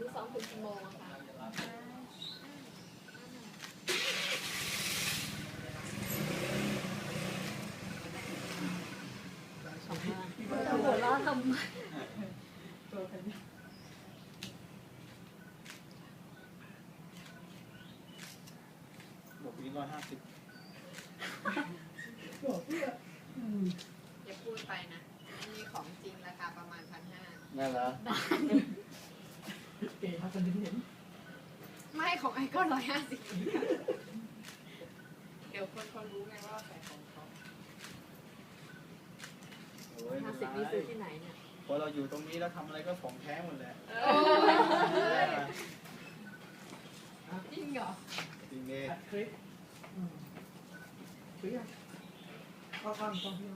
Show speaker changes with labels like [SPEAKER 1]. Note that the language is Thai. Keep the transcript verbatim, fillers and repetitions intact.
[SPEAKER 1] ที่ซ้อมถึงกี่โมงอะคะจะหัวเราะทำไม
[SPEAKER 2] บอกนี้ร้อยห้าสิบ
[SPEAKER 1] อย่าพูดไปนะอันนี้ของจริงราคาประมาณพันห้า
[SPEAKER 2] นั่นเหรอ
[SPEAKER 3] เก๋เขาจะเห็น
[SPEAKER 1] ไม่ของไอ้ก็ร้อยห้าสิบเดี๋ยวคนเขารู้ไงว่าใส่ของเขา
[SPEAKER 2] โอ้ย
[SPEAKER 1] ห้าสิบนี่ซื้อที่ไหนเนี่ย
[SPEAKER 2] พอเราอยู่ตรงนี้แล้วทำอะไรก็ของแท้หมดแหละ
[SPEAKER 1] จริงเหรอ
[SPEAKER 2] จริงเอง
[SPEAKER 3] คลิปอืมคลิปอ่ะข้อความตรงที่